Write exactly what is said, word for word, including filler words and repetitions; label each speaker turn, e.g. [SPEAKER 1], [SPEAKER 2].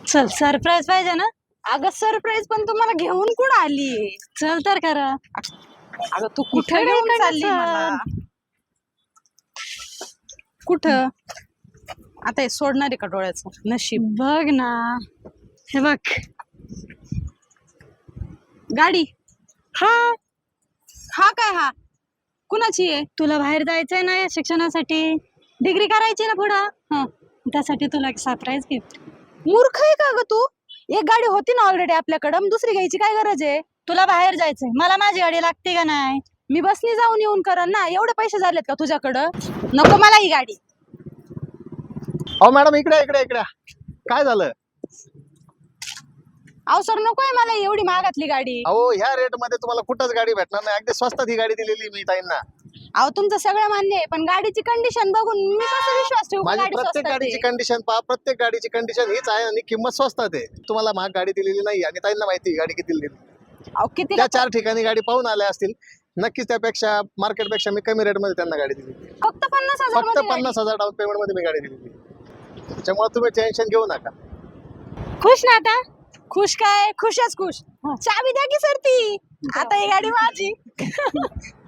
[SPEAKER 1] चल सरप्राईज पाहिजे ना.
[SPEAKER 2] अगं सरप्राईज पण तुम्हाला घेऊन कुठं आली?
[SPEAKER 1] चल तर करा.
[SPEAKER 2] अगं तू कुठे घेऊन
[SPEAKER 1] इकडे
[SPEAKER 2] चालली
[SPEAKER 1] चल.
[SPEAKER 2] मला? कुठं? आता हे सोडणार आहे का डोळ्याचं नशीब?
[SPEAKER 1] बघ ना, हे बघ
[SPEAKER 2] गाडी.
[SPEAKER 1] हा.
[SPEAKER 2] हा काय हा कुणाची आहे?
[SPEAKER 1] तुला बाहेर जायचंय ना या शिक्षणासाठी, डिग्री करायची ना पुढं. हा, त्यासाठी तुला एक सरप्राईज गिफ्ट.
[SPEAKER 2] मूर्ख आहे का ग तू? एक गाडी होती ना ऑलरेडी आपल्याकडं, मग दुसरी घ्यायची काय गरज आहे?
[SPEAKER 1] तुला बाहेर जायचंय, मला माझी गाडी लागते का नाही?
[SPEAKER 2] मी बसनी जाऊन येऊन करन ना. एवढे पैसे झालेत का तुझ्याकडं? नको मला ही गाडी.
[SPEAKER 3] अहो मॅडम इकडे इकडे इकडे काय झालं?
[SPEAKER 2] अवसर नकोय मला एवढी महागातली गाडी.
[SPEAKER 3] अहो ह्या रेट मध्ये तुम्हाला कुठंच गाडी भेटणार नाही. अगदी स्वस्तात ही गाडी दिलेली मी ताईंना.
[SPEAKER 2] अहो तुमचं सगळं मान्य आहे, पण गाडीची कंडिशन बघून मी कसा विश्वास ठेवू?
[SPEAKER 3] माझी
[SPEAKER 2] गाडी
[SPEAKER 3] प्रत्येक
[SPEAKER 2] स्वस्तात
[SPEAKER 3] गाडीची
[SPEAKER 2] आहे.
[SPEAKER 3] कंडिशन पहा, प्रत्येक गाडीची कंडिशन हीच आहे आणि किंमत स्वस्तात आहे. तुम्हाला महाग गाडी दिलेली नाही आणि ताईंना माहिती गाडी किती दिली.
[SPEAKER 2] अहो किती
[SPEAKER 3] त्या चार ठिकाणी गाडी पाहून आल्या असतील, नक्कीच त्यापेक्षा मार्केट पेक्षा मी कमी रेट मध्ये त्यांना गाडी दिली.
[SPEAKER 2] फक्त पन्नास हजार
[SPEAKER 3] फक्त पन्नास हजार डाऊन पेमेंट मध्ये मी गाडी दिली. त्याच्यामुळे तुम्ही टेन्शन घेऊ नका.
[SPEAKER 1] खुश ना आता?
[SPEAKER 2] खुश काय? खुशच खुश. चाबी द्या की सर ती. आता ही गाडी माझी.